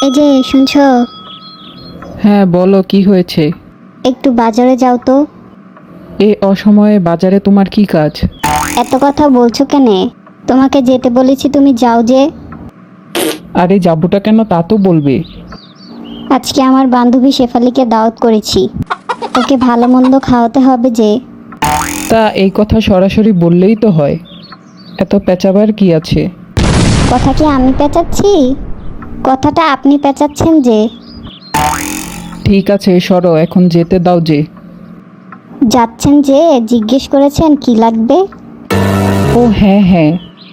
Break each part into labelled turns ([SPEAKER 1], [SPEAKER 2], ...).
[SPEAKER 1] এই যে শুনছো,
[SPEAKER 2] হ্যাঁ বলো, কি হয়েছে?
[SPEAKER 1] একটু বাজারে যাও তো।
[SPEAKER 2] এ অসময়ে বাজারে তোমার কি কাজ?
[SPEAKER 1] এত কথা বলছো কেনে? তোমাকে যেতে বলেছি, তুমি যাও যে।
[SPEAKER 2] আরে যাবোটা কেন তা তো বলবে।
[SPEAKER 1] আজকে আমার বান্ধবী শেফালিকে দাওয়াত করেছি, ওকে ভালো মন্দ খাওয়াতে হবে যে।
[SPEAKER 2] তা এই কথা সরাসরি বললেই তো হয়, এত পেঁচাবার কি আছে?
[SPEAKER 1] কথা কি আমি পেঁচাচ্ছি? কথাটা আপনি পেঁচাচ্ছেন যে।
[SPEAKER 2] ঠিক আছে সরো, এখন যেতে দাও যে।
[SPEAKER 1] যাচ্ছেন যে, জিজ্ঞেস করেছেন কি লাগবে?
[SPEAKER 2] ও হ্যাঁ হ্যাঁ,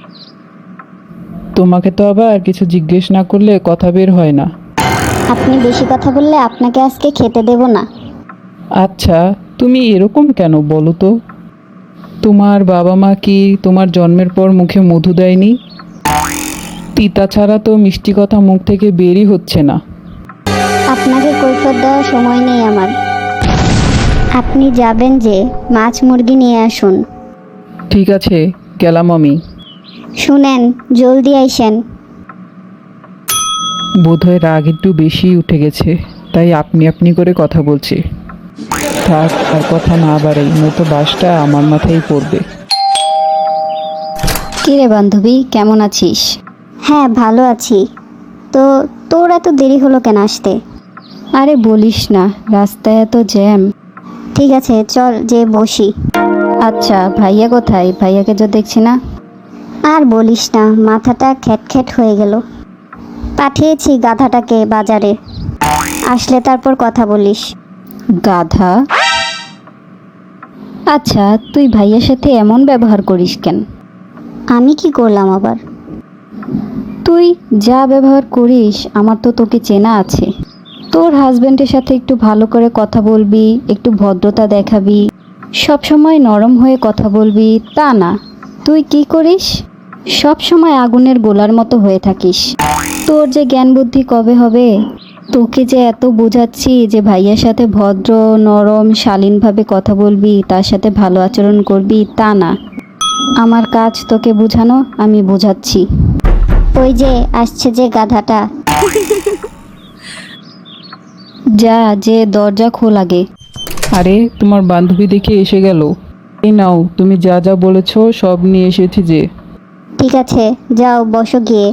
[SPEAKER 2] তোমাকে তো আবার কিছু জিজ্ঞেস না করলে কথা বের হয় না।
[SPEAKER 1] আপনি বেশি কথা বললে আপনাকে আজকে খেতে দেব না।
[SPEAKER 2] আচ্ছা, তুমি এরকম কেন বলো তো? তোমার বাবা মা কি তোমার জন্মের পর মুখে মধু দেয়নি? তিতা ছাড়া তো মিষ্টি কথা মুখ থেকে বেরই হচ্ছে না।
[SPEAKER 1] আপনাকে কৈফিয়ত দেওয়ার সময় নেই আমার। আপনি যাবেন যে, মাছ মুরগি নিয়ে আসুন।
[SPEAKER 2] ঠিক আছে, গেলাম আমি।
[SPEAKER 1] শুনেন, জলদি আইসেন।
[SPEAKER 2] বোধহয় রাগ একটু বেশি উঠে গেছে, তাই আপনি আপনি করে কথা বলছি। থাক, আর কথা না বাড়াই, নয়তো বাসটা আমার মাথায় পড়বে।
[SPEAKER 1] কিরে বান্ধবী, কেমন আছিস? হ্যাঁ ভালো আছি। তো তোর এত দেরি হলো কেন আসতে?
[SPEAKER 3] আরে বলিস না, রাস্তায় এত জ্যাম।
[SPEAKER 1] ঠিক আছে চল যে বসি।
[SPEAKER 3] আচ্ছা, ভাইয়া কোথায়? ভাইয়াকে তো দেখছি না।
[SPEAKER 1] আর বলিস না, মাথাটা খ্যাটখ্যাট হয়ে গেল। পাঠিয়েছি গাধাটাকে বাজারে, আসলে তারপর কথা বলিস।
[SPEAKER 3] গাধা? আচ্ছা, তুই ভাইয়ার সাথে এমন ব্যবহার করিস কেন?
[SPEAKER 1] আমি কি করলাম আবার?
[SPEAKER 3] তুই যা ব্যবহার করিস, আমার তো তোকে চেনা আছে। তোর হাজবেন্ডের সাথে একটু ভালো করে কথা বলবি, একটু ভদ্রতা দেখাবি, সব সময় নরম হয়ে কথা বলবি, তা না। তুই কি করিস? সব সময় আগুনের গোলার মতো হয়ে থাকিস। তোর যে জ্ঞান বুদ্ধি কবে হবে? তোকে যে এত বোঝাচ্ছি যে ভাইয়ার সাথে ভদ্র, নরম, শালীনভাবে কথা বলবি, তার সাথে ভালো আচরণ করবি, তা না। আমার কাজ তোকে বোঝানো, আমি বোঝাচ্ছি।
[SPEAKER 1] ওই যে আসছে যে গাধাটা।
[SPEAKER 3] যা, যে দরজা খোল আগে।
[SPEAKER 2] আরে তোমার বান্ধবী দেখে এসে গেল। এই নাও, তুমি যা যা বলেছো সব নিয়ে এসেছি যে।
[SPEAKER 1] ঠিক আছে যাও বসো গিয়ে।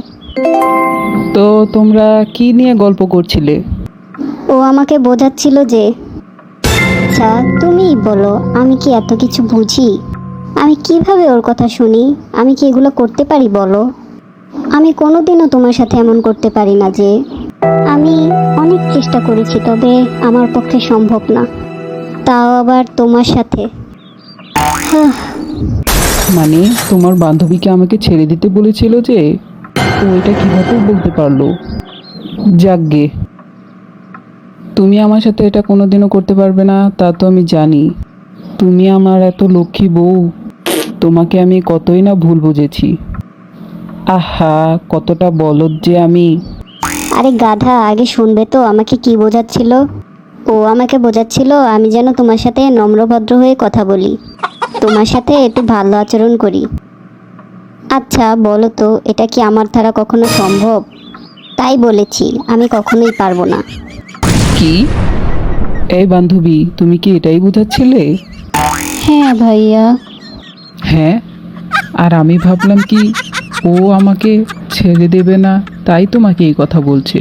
[SPEAKER 2] তো তোমরা কি নিয়ে গল্প করছিলে?
[SPEAKER 1] ও আমাকে বোঝাচ্ছিল যে। আচ্ছা তুমিই বলো, আমি কি এত কিছু বুঝি? আমি কিভাবে ওর কথা শুনি? আমি কি এগুলো করতে পারি বলো? আমি কোনোদিনও তোমার সাথে এমন করতে পারি না যে। আমি অনেক চেষ্টা করেছি, তবে আমার পক্ষে সম্ভব না, তাও আবার তোমার সাথে। হাহ,
[SPEAKER 2] মানে তোমার বান্ধবীকে আমাকে ছেড়ে দিতে বলেছিল যে? ও এটা কিভাবে বলতে পারলো? যাকগে, তুমি আমার সাথে এটা কোনোদিনও করতে পারবে না তা তো আমি জানি। তুমি আমার এত লক্ষ্মী বউ, তোমাকে আমি কতই না ভুল বুঝেছি। আহা, কতটা বলদ যে আমি।
[SPEAKER 1] আরে গাধা, আগে শুনবে তো আমাকে কি বোঝাচ্ছিল। ও আমাকে বোঝাচ্ছিল আমি যেন তোমার সাথে নম্রভদ্র হয়ে কথা বলি, তোমার সাথে একটু ভালো আচরণ করি। আচ্ছা বলো তো, এটা কি আমার দ্বারা কখনো সম্ভব? তাই বলেছি, আমি কখনোই পারবো না।
[SPEAKER 2] কি? এই বান্ধবী, তুমি কি এটাই বোঝাচ্ছিলে?
[SPEAKER 3] হ্যাঁ ভাইয়া।
[SPEAKER 2] হ্যাঁ, আর আমি ভাবলাম কি ও আমাকে ছেড়ে দেবে না, তাই তোমাকে এই কথা বলছে।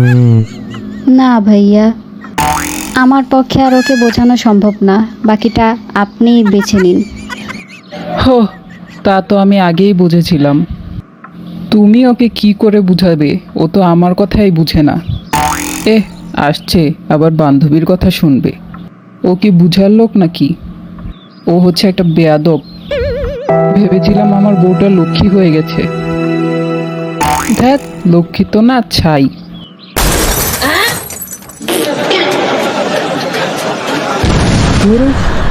[SPEAKER 3] না ভাইয়া, আমার পক্ষে আর ওকে বোঝানো সম্ভব না, বাকিটা আপনিই বেছে নিন।
[SPEAKER 2] হো, তা তো আমি আগেই বুঝেছিলাম। তুমি ওকে কি করে বুঝাবে? ও তো আমার কথাই বুঝে না। আসছে আবার বান্ধবীর কথা শুনবে। ও কি বুঝার লোক নাকি? ও হচ্ছে একটা বেয়াদব। ভেবেছিলাম আমার বউটা লক্ষ্মী হয়ে গেছে। দেখ, লক্ষ্মী তো না, ছাই। ধুর,